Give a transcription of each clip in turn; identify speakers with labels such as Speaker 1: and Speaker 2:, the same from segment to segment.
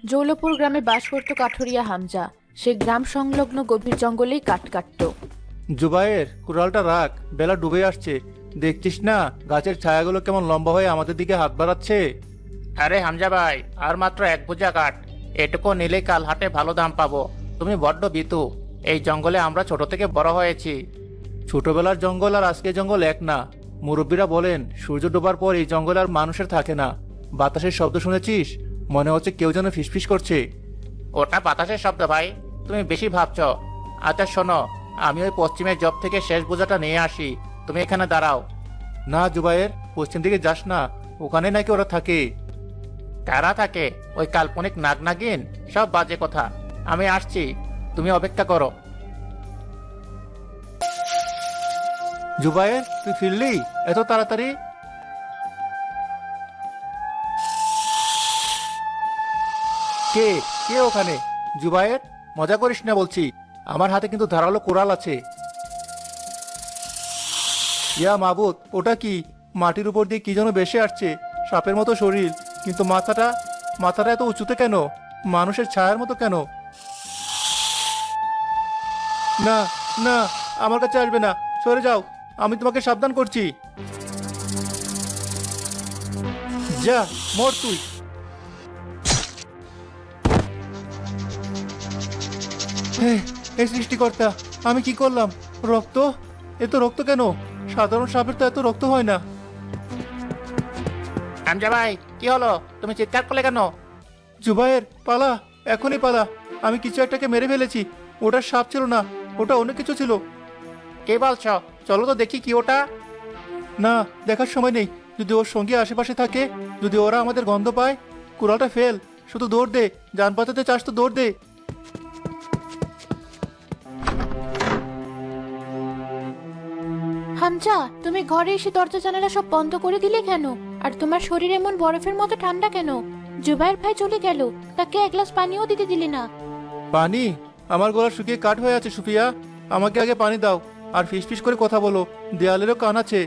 Speaker 1: জৌলপুর গ্রামে বাস করত কাঠুরিয়া হামজা। সে গ্রাম সংলগ্ন গভীর জঙ্গলেই কাঠ কাটত।
Speaker 2: জুবায়ের, কুড়ালটা রাখ, বেলা ডুবে আসছে। দেখছিস না গাছের ছায়াগুলো কেমন লম্বা হয়ে আমাদের দিকে হাত বাড়াচ্ছে?
Speaker 3: আরে হামজা ভাই, আর মাত্র এক বোঝা কাঠ। এটুকু নিলেই কাল হাটে ভালো দাম পাবো। তুমি বড্ড বিতু। এই জঙ্গলে আমরা ছোট থেকে বড় হয়েছি।
Speaker 2: ছোটবেলার জঙ্গল আর আজকের জঙ্গল এক না। মুরব্বীরা বলেন সূর্য ডোবার পর এই জঙ্গল আর মানুষের থাকে না। বাতাসের শব্দ শুনেছিস? মনে হচ্ছে কেউ যেন ফিসফিস করছে।
Speaker 3: ওটা বাতাসের শব্দ ভাই, তুমি বেশি ভাবছো। আচ্ছা শোনো, আমি ওই পশ্চিমের জব থেকে শেষ বোঝাটা নিয়ে আসি, তুমি এখানে দাঁড়াও।
Speaker 2: না জুবায়ের, পশ্চিম দিকে যাস না, ওখানে নাকি ওরা থাকে।
Speaker 3: কারা থাকে? ওই কাল্পনিক নাগ নাগিন? সব বাজে কথা। আমি আসছি, তুমি অপেক্ষা করো।
Speaker 2: জুবায়ের, তুই ফিরলি এত তাড়াতাড়ি? কে কে ওখানে? জুবায়ের, মজা করিস না বলছি। আমার হাতে কিন্তু ধারালো কোরাল আছে। ইয়া মাবুদ, ওটা কি? মাটির উপর দিয়ে কি যেন ভেসে আসছে, সাপের মতো শরীর, কিন্তু মাথাটা মাথাটা এত উঁচুতে কেন? মানুষের ছায়ার মতো কেন? না না, আমার কাছে আসবে না, সরে যাও, আমি তোমাকে সাবধান করছি। যা, মর তুই। হে সৃষ্টিকর্তা, আমি কি করলাম? রক্ত, এত রক্ত কেন? সাধারণ সাপের তো এত রক্ত হয় না।
Speaker 3: হামজা ভাই, কি হলো? তুমি চিৎকার করলে কেন?
Speaker 2: জুবায়ের, পালা, এখনই পালা। আমি কিছু একটাকে মেরে ফেলেছি। ওটা সাপ ছিল না, ওটা অন্য কিছু ছিল।
Speaker 3: কে বলছো? চলো তো দেখি কি ওটা।
Speaker 2: না, দেখার সময় নেই। যদি ওর সঙ্গে আশেপাশে থাকে, যদি ওরা আমাদের গন্ধ পায়। কুড়ালটা ফেল, শুধু দৌড় দে। জান বাঁচাতে চাস তো দৌড় দে।
Speaker 1: হামজা, তুমি ঘরে এসে দরজা জানালা সব বন্ধ করে দিলে কেন? আর তোমার শরীর এমন বরফের মতো ঠান্ডা কেন? জুবাইর ভাই চলে গেল, তাকে এক গ্লাস পানিও দিতে দিলে না।
Speaker 2: পানি? আমার গলা শুকিয়ে কাঠ হয়ে আছে সুফিয়া। আমাকে আগে পানি দাও। আর ফিসফিস করে কথা বলো, দেয়ালেরও কান আছে।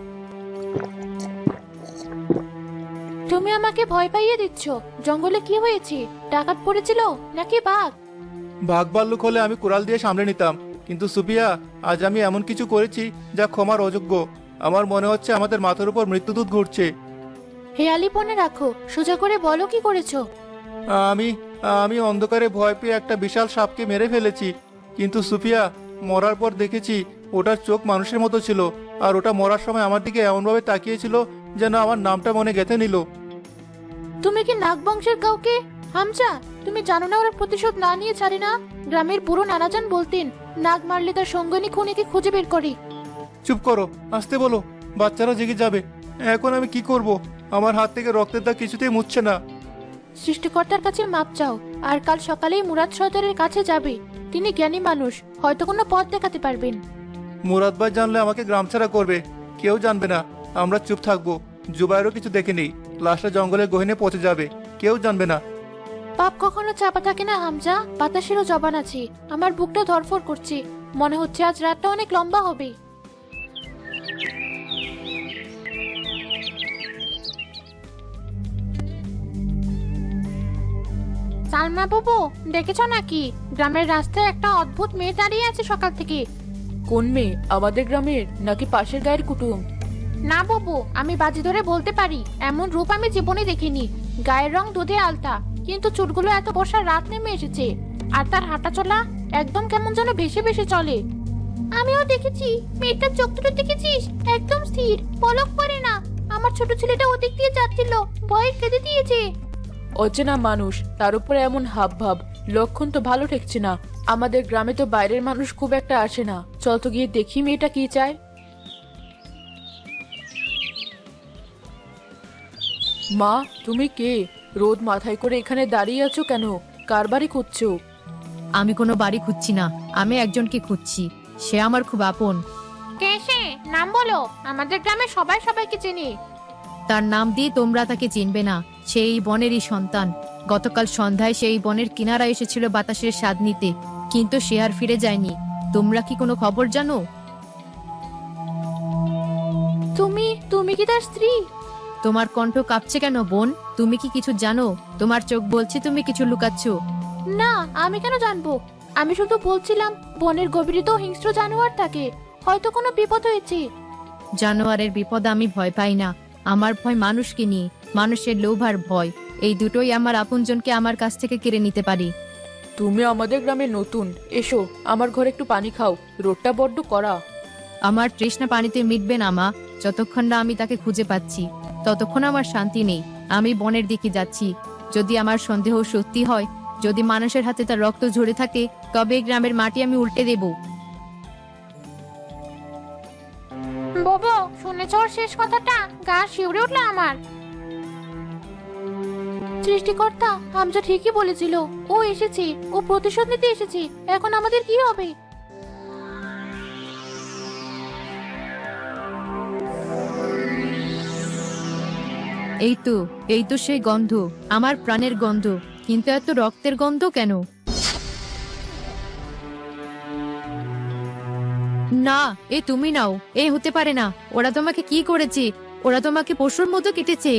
Speaker 1: তুমি আমাকে ভয় পাইয়ে দিচ্ছ। জঙ্গলে কি হয়েছে? ডাকাত পড়েছিল নাকি বাঘ?
Speaker 2: বাঘ ভাল্লুক হলে আমি কুড়াল দিয়ে সামলে নিতাম, কিন্তু সুফিয়া, আজ আমি এমন কিছু করেছি যা ক্ষমার অযোগ্য। আমার মনে হচ্ছে আমাদের মাথার উপর মৃত্যুদূত ঘুরছে।
Speaker 1: হেয়ালি পনে রাখো, সোজা করে বলো কি করেছো।
Speaker 2: আমি আমি অন্ধকারে ভয় পেয়ে একটা বিশাল সাপকে মেরে ফেলেছি। কিন্তু সুফিয়া, মরার পর দেখেছি ওটার চোখ মানুষের মতো ছিল। আর ওটা মরার সময় আমার দিকে এমনভাবে তাকিয়েছিল যেন আমার নামটা মনে গেঁথে নিল।
Speaker 1: তুমি কি নাগ বংশের কাউকে? হামজা, তুমি জানো না ওরা প্রতিশোধ না নিয়ে ছাড়ে না? গ্রামের বুড়ো নানাজান বলতেন, নাগ মারলে তার সঙ্গিনী খুনিকে খুঁজে বের করে।
Speaker 2: চুপ করো, আসতে বলো, বাচ্চারা জেগে যাবে। এখন আমি কি করব? আমার হাত থেকে রক্তের দাগ কিছুতেই মুছছে না।
Speaker 1: সৃষ্টিকর্তার কাছে মাপ চাও, আর কাল সকালেই মুরাদ সর্দারের কাছে যাবে। তিনি জ্ঞানী মানুষ, হয়তো কোনো পথ দেখাতে পারবেন।
Speaker 2: মুরাদ ভাই জানলে আমাকে গ্রাম ছাড়া করবে। কেউ জানবে না, আমরা চুপ থাকবো। জুবাইরও কিছু দেখেনি, লাশটা জঙ্গলের গহীনে পচে যাবে, কেউ জানবে না।
Speaker 1: পাপ কখনো চাপা থাকে না হামজা, বাতাসেরও জবান আছে। আমার বুকটা ধরফর করছে, মনে হচ্ছে আজ রাতটা অনেক লম্বা হবে। সালমা বাবু, দেখেছ নাকি? গ্রামের রাস্তায় একটা অদ্ভুত মেয়ে দাঁড়িয়ে আছে সকাল থেকে। কোন মেয়ে? আমাদের গ্রামের নাকি পাশের গায়ের কুটুম? না বাবু, আমি বাজি ধরে বলতে পারি এমন রূপ আমি জীবনে দেখিনি। গায়ের রং দুধে আলতা, কিন্তু চুলগুলো এত বর্ষার রাত নেমে এসেছে। আর তার হাঁটা চলা একদম কেমন যেন ভেসে ভেসে চলে। আমিও দেখেছি। মেয়েটার চোখ দুটো দেখেছিস? একদম স্থির, পলক পড়ে না। আমার ছোট ছেলেটা ওদিক দিয়ে যাচ্ছিল, ভয়ে কেঁদে দিয়েছে। অচেনা মানুষ, তার উপরে এমন হাব ভাব, লক্ষণ তো ভালো ঠেকছে না। আমাদের গ্রামে তো বাইরের মানুষ খুব একটা আসে না। চল তো গিয়ে দেখি মেয়েটা কি চায়। মা, তুমি কে? রোদ মাথায় করে এখানে দাঁড়িয়ে আছো কেন? কার বাড়ি খুঁজছো?
Speaker 4: আমি কোনো বাড়ি খুঁজছি না, আমি একজনকে খুঁজছি। সে আমার খুব আপন।
Speaker 1: কে সে? নাম বলো, আমাদের গ্রামে সবাই সবাইকে চেনে।
Speaker 4: তার নাম দিয়ে তোমরা তাকে চিনবে না। সেই বনেরই সন্তান। গতকাল সন্ধ্যায় সেই বনের কিনারা এসেছিল বাতাসের স্বাদ নিতে, কিন্তু সে আর ফিরে যায়নি। তোমরা কি কোনো খবর জানো?
Speaker 1: তুমি তুমি কি তার স্ত্রী?
Speaker 4: তোমার কণ্ঠ কাঁপছে কেন বোন? তুমি কি কিছু জানো? তোমার চোখ বলছে তুমি কিছু লুকাচ্ছ।
Speaker 1: না, আমি কেন জানবো? আমি শুধু বলছিলাম বনের গভীরে তো হিংস্র জানোয়ার থাকে, হয়তো কোনো বিপদ হয়েছে।
Speaker 4: জানোয়ারের বিপদ আমি ভয় পাই না। আমার ভয় মানুষকে নিয়ে, মানুষের লোভ আর ভয়। এই দুটোই আমার আপনজনকে আমার কাছ থেকে কেড়ে নিতে পারি।
Speaker 1: তুমি আমাদের গ্রামে নতুন, এসো আমার ঘরে একটু পানি খাও, রোদটা বড্ড কড়া।
Speaker 4: আমার তৃষ্ণা পানিতে মিটবে না মা। যতক্ষণ না আমি তাকে খুঁজে পাচ্ছি ততক্ষণ আমার শান্তি নেই। আমি বনের দিকে যাচ্ছি। যদি আমার সন্দেহ সত্যি হয়, যদি মানুষের হাতে তার রক্ত ঝরে থাকে, তবে এই গ্রামের মাটি আমি উল্টে দেব।
Speaker 1: বাবা, শুনেছ ওর শেষ কথাটা? গা শিউরে উঠলো আমার। সৃষ্টিকর্তা, হামজা ঠিকই বলেছিল, ও এসেছে, ও প্রতিশোধ নিতে এসেছে। এখন আমাদের কি হবে?
Speaker 4: এই তো সেই গন্ধ, আমার প্রাণের গন্ধ। কিন্তু এত রক্তের গন্ধ কেন? না, এ তুমি নাও। এ হতে পারে না। ওরা তোমাকে কি করেছে? ওরা তোমাকে পশুর মতো কেটেছে।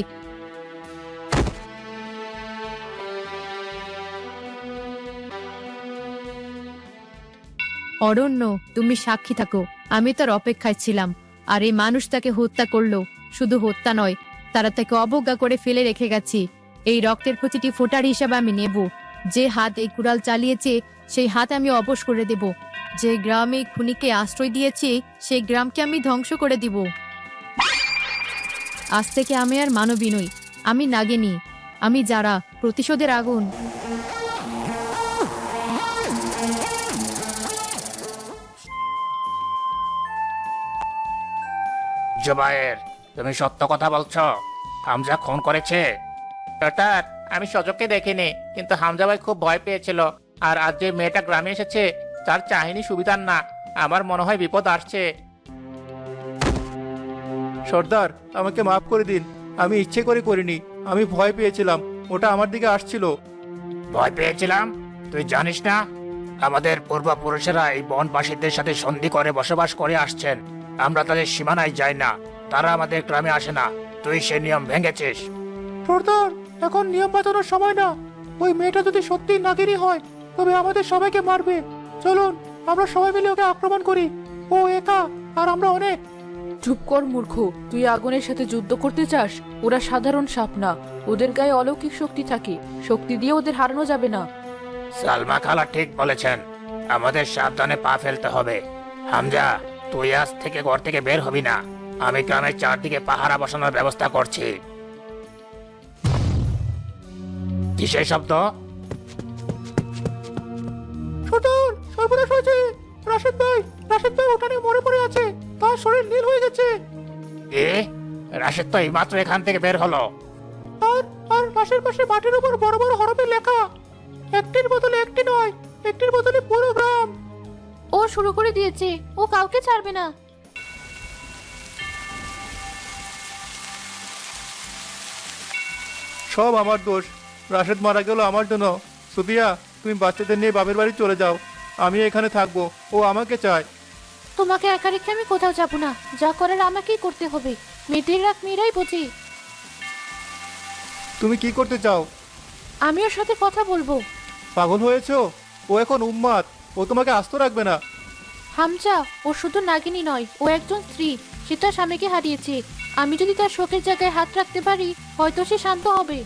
Speaker 4: অরণ্য, তুমি সাক্ষী থাকো। আমি তার অপেক্ষায় ছিলাম, আর এই মানুষ তাকে হত্যা করলো। শুধু হত্যা নয়, তারা তাকে অবজ্ঞা করে ফেলে রেখে গেছে। এই রক্তের প্রতিটি ফোঁটার হিসাবে আমি নেব। যে হাত এই কুড়াল চালিয়েছে, সেই হাত আমি অবশ করে দেব। যে গ্রাম এই খুনিকে আশ্রয় দিয়েছে, সেই গ্রামকে আমি ধ্বংস করে দিব। আজ থেকে আমি আর মানবী নই, আমি নাগিনী। আমি যারা, প্রতিশোধের আগুন।
Speaker 3: জুবায়ের, তুমি সত্য কথা বলছো? হামজা খুন করেছে? ডক্টর, আমি সজককে দেখিনি, কিন্তু হামজা ভাই খুব ভয় পেয়েছিল। আর আজ যে মেয়েটা গ্রামে এসেছে, তার চাহিনি সুবিধার না। আমার মনে হয় বিপদ আসছে।
Speaker 2: সর্দার, আমাকে মাফ করে দিন। আমি ইচ্ছে করে করিনি, আমি ভয় পেয়েছিলাম, ওটা আমার দিকে আসছিল।
Speaker 3: ভয় পেয়েছিলাম? তুই জানিস না, আমাদের পূর্বপুরুষেরা এই বনবাসীদের সাথে সন্ধি করে বসবাস করে আসছেন। আমরা তাদের সীমানায় যাই না, তারা আমাদের গ্রামে আসে না। তুই সে নিয়ম ভেঙেছিস।
Speaker 2: সর্দার, এখন নিয়ম বাঁচানোর সময় না। ওই মেয়েটা যদি সত্যি নাগিনী হয়, তবে আমাদের সবাইকে মারবে। চলুন, আমরা সবাই মিলে ওকে আক্রমণ করি। ও একা, আর আমরা অনেক।
Speaker 1: চুপ কর মূর্খ, তুই আগুনের সাথে যুদ্ধ করতে চাস? ওরা সাধারণ সাপ না, ওদের গায়ে অলৌকিক শক্তি থাকে। শক্তি দিয়ে ওদের হারানো যাবে না।
Speaker 3: সালমা খালা ঠিক বলেছেন, আমাদের সাবধানে পা ফেলতে হবে। হামজা, তুই আজ থেকে ঘর থেকে বের হবি না। আমি গ্রামের চারদিকে পাহারা বসানোর ব্যবস্থা করছি। কিসের শব্দ?
Speaker 2: সর্দার, সর্বনাশ হয়েছে। রাশেদ ভাই ওখানে মরে পড়ে আছে। তার শরীর নীল হয়ে গেছে।
Speaker 3: এ, রাশেদ তো এইমাত্র এখান থেকে বের হলো।
Speaker 2: আর আর পাশের পাশে মাটির উপর বড় বড় হরফে লেখা, একটির বদলে একটি নয়, একটির বদলে পুরো গ্রাম।
Speaker 1: ও শুরু করে দিয়েছে, ও কাউকে ছাড়বে না।
Speaker 2: সব আমার দোষ। রাশেদ মারা গেল আমার জন্য। সুফিয়া, তুমি বাচ্চাদের নিয়ে বাপের বাড়ি চলে যাও। আমি এখানে থাকবো, ও আমাকে চায়।
Speaker 1: তোমাকে একা রেখে আমি কোথাও যাবো না। যা করার আমাকেই করতে হবে। মেয়েদের রাগ মেয়েরাই বোঝে।
Speaker 2: তুমি কি করতে চাও?
Speaker 1: আমি ওর সাথে কথা বলবো।
Speaker 2: পাগল হয়েছো? ও এখন উম্মাদ, ও তোমাকে আস্ত রাখবে না।
Speaker 1: হামজা, ও শুধু নাগিনী নয়, ও একজন স্ত্রী। সে তার স্বামীকে হারিয়েছে। আমি যদি তার শোকের জায়গায় হাত রাখতে পারি, হয়তো সে শান্ত হবে।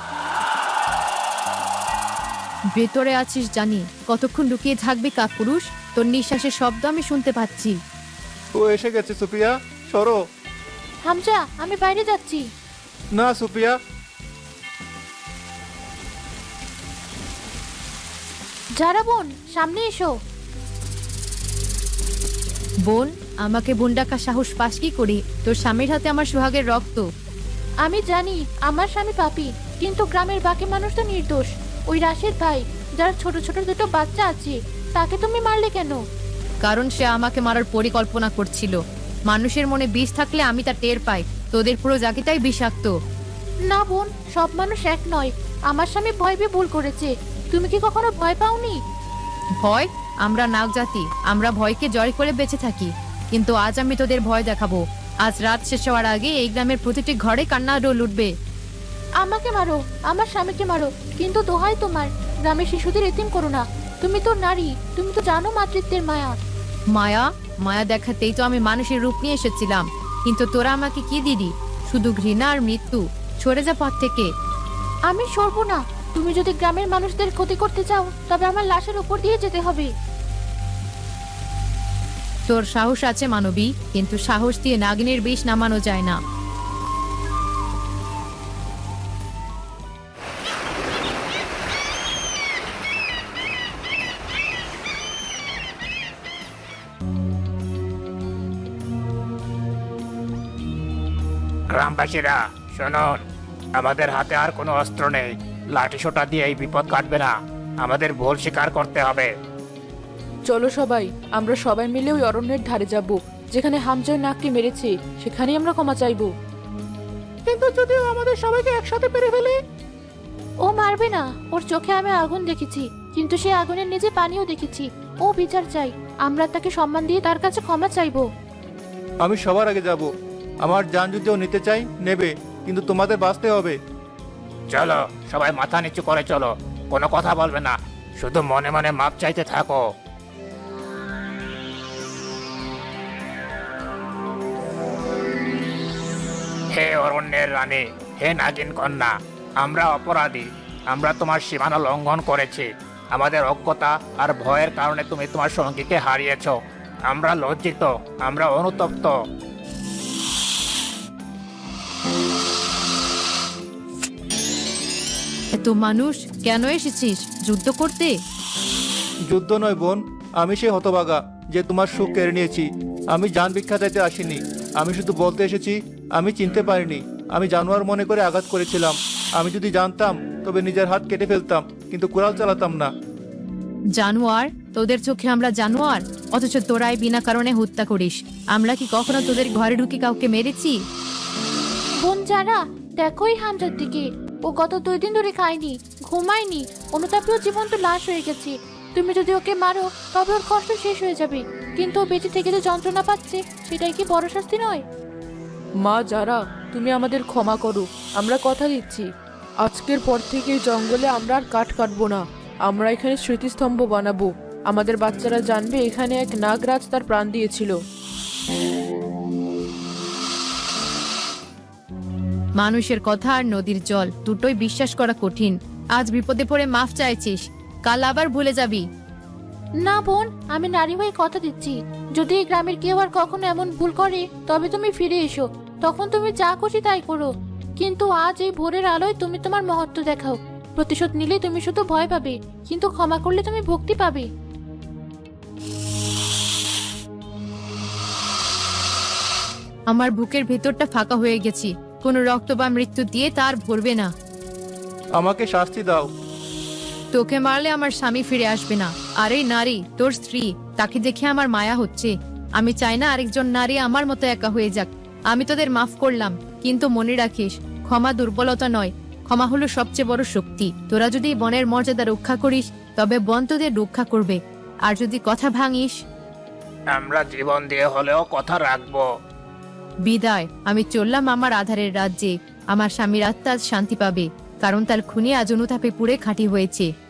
Speaker 4: ভেতরে আছিস জানি, কতক্ষণ লুকিয়ে থাকবি কাপুরুষ? তোর নিঃশ্বাসের শব্দ আমি শুনতে পাচ্ছি।
Speaker 2: ও এসে গেছে। সুফিয়া, সরো।
Speaker 1: হামজা, আমি বাইরে যাচ্ছি।
Speaker 2: না সুফিয়া।
Speaker 1: যারা বোন, সামনে এসো।
Speaker 4: বোন, আমাকে বোন ডাকা সাহস পাস কি করে? তোর স্বামীর হাতে আমার সোহাগের রক্ত।
Speaker 1: আমি জানি আমার স্বামী পাপী, কিন্তু গ্রামের বাকি মানুষ তো নির্দোষ। ওই রাশেদ ভাই, যার ছোট ছোট দুটো বাচ্চা আছে, তাকে তুমি মারলে কেন?
Speaker 4: কারণ সে আমাকে মারার পরিকল্পনা করছিল। মানুষের মনে বিষ থাকলে আমি তা টের পাই। তোদের পুরো জাতিটাই বিষাক্ত।
Speaker 1: না বোন, সব মানুষ এক নয়। আমার স্বামী ভয় পেয়ে ভুল করেছে। তুমি কি কখনো ভয় পাওনি?
Speaker 4: ভয়? আমরা নাগ জাতি, আমরা ভয়কে জয় করে বেঁচে থাকি। কিন্তু আজ আমি তোদের ভয় দেখাবো। আজ রাত শেষ হওয়ার আগে এই গ্রামের প্রতিটি ঘরে কান্না রোল উঠবে।
Speaker 1: আমাকে মারো, আমার স্বামীকে মারো, কিন্তু দোহাই তোমার, গ্রামের শিশুদের এতিম করো না। তুমি তো নারী, তুমি তো জানো মাতৃত্বের মায়া।
Speaker 4: মায়া মায়া দেখাতেই তো আমি মানুষের রূপ নিয়ে এসেছিলাম, কিন্তু তোরা আমাকে কি দিদি? শুধু ঘৃণা আর মৃত্যু। সরে যা পথ থেকে।
Speaker 1: আমি সরবো না। তুমি যদি গ্রামের মানুষদের ক্ষতি করতে চাও তবে আমার লাশের উপর দিয়ে যেতে হবে।
Speaker 4: তোর সাহস আছে মানবী, কিন্তু সাহস দিয়ে নাগিনের বিষ নামানো যায় না।
Speaker 3: গ্রামবাসীরা শুনুন, আমাদের হাতে আর কোনো অস্ত্র নেই। লাঠি সোটা দিয়ে এই বিপদ কাটবে না, আমাদের ভুল স্বীকার করতে হবে।
Speaker 1: চলো সবাই, আমরা সবাই মিলে ওই অরণ্যের ধারে যাব যেখানে হামজয় নাককে মেরেছে, সেখানেই আমরা ক্ষমা চাইবো।
Speaker 2: কিন্তু যদি ও আমাদের সবাইকে একসাথে পেরে ফেলে?
Speaker 1: ও মারবে না, ওর চোখে আমি আগুন দেখেছি, কিন্তু সে আগুনের নিচে পানিও দেখেছি। ও বিচার চাই, আমরা তাকে সম্মান দিয়ে তার কাছে ক্ষমা চাইবো।
Speaker 2: আমি সবার আগে যাব। আমার জান যদি ও নিতে চাই নেবে, কিন্তু তোমাদের বাঁচতে হবে।
Speaker 3: চলো সবাই মাথা নিচু করে চলো, কোনো কথা বলবে না, শুধু মনে মনে মাপ চাইতে থাকো। হে অরণ্যের রানী, হে নাগিন কন্যা, আমরা অপরাধী। আমরা তোমার সীমানা লঙ্ঘন করেছি। আমাদের অজ্ঞতা আর ভয়ের কারণে তুমি তোমার সঙ্গীকে হারিয়েছ। আমরা লজ্জিত, আমরা অনুতপ্ত।
Speaker 4: এত মানুষ কেন এসেছিস? যুদ্ধ করতে?
Speaker 2: যুদ্ধ নয় বোন, আমি সেই হতভাগা যে তোমার সুখ কেড়ে নিয়েছি। আমি জান ভিক্ষা চাইতে আসিনি, আমি শুধু বলতে এসেছি আমি চিনতে পারিনি। আমি জানোয়ার মনে করে আঘাত করেছিলাম। আমি যদি জানতাম তবে নিজের হাত কেটে ফেলতাম, কিন্তু কুড়াল চালাতাম না।
Speaker 4: জানোয়ার? তোদের চোখে আমরা জানোয়ার, অথচ তোরাই বিনা কারণে হত্যা করিস। আমরা কি কখনো তোদের ঘরে ঢুকে কাউকে মেরেছি?
Speaker 1: বোন যারা, দেখোই হামজার দিকে, ও গত 2 দিন ধরে খায়নি, ঘুমায়নি, অনুতাপেও জীবন্ত লাশ হয়ে গেছে। তুমি যদি ওকে মারো তবে ওর কষ্ট শেষ হয়ে যাবে, কিন্তু ও বেঁচে থেকে যে যন্ত্রণা পাচ্ছে সেটাই কি বড় শাস্তি নয়?
Speaker 5: মা যারা, তুমি আমাদের ক্ষমা করো। আমরা কথা দিচ্ছি, আজকের পর থেকে এই জঙ্গলে আমরা আর কাঠ কাটবো না। আমরা এখানে স্মৃতিস্তম্ভ বানাবো। আমাদের বাচ্চারা জানবে এখানে এক নাগরাজ তার প্রাণ দিয়েছিল।
Speaker 4: মানুষের কথা আর নদীর জল দুটোই বিশ্বাস করা কঠিন। আজ বিপদে পড়ে মাফ চাইছিস, কাল আবার ভুলে যাবি।
Speaker 1: না বোন, আমি নারী হয়ে কথা দিচ্ছি, যদি এই গ্রামের কেউ আর কখনো এমন ভুল করে তবে তুমি ফিরে এসো, তখন তুমি যা খুশি তাই করো। কিন্তু আজ এই ভোরের আলোয় তুমি তোমার মহত্ব দেখাও। প্রতিশোধ নিলে তুমি শুধু ভয় পাবে, কিন্তু ক্ষমা করলে তুমি ভক্তি পাবে।
Speaker 4: আমার বুকের ভেতরটা ফাঁকা হয়ে গেছি, কোনো রক্ত বা মৃত্যু দিয়ে তার ভরবে না।
Speaker 2: আমাকে শাস্তি দাও।
Speaker 4: তোকে মারলে আমার স্বামী ফিরে আসবে না, আর এই নারী তোর স্ত্রী, তাকে দেখে আমার মায়া হচ্ছে। আমি চাই না আরেকজন নারী আমার মতো একা হয়ে যাক। আমি তোদের মাফ করলাম, কিন্তু মনে রাখিস, ক্ষমা দুর্বলতা নয়, ক্ষমা হলো সবচেয়ে বড় শক্তি। তোরা যদি বনের মর্যাদা রক্ষা করিস তবে বন তোদের রক্ষা করবে, আর যদি কথা ভাঙিস।
Speaker 3: আমরা জীবন দিয়ে হলেও কথা রাখবো।
Speaker 4: বিদায়, আমি চললাম আমার আধারের রাজ্যে। আমার স্বামীর আত্মা আজ শান্তি পাবে, কারণ তার খুনি আজ অনুতাপে পুড়ে খাঁটি হয়েছে।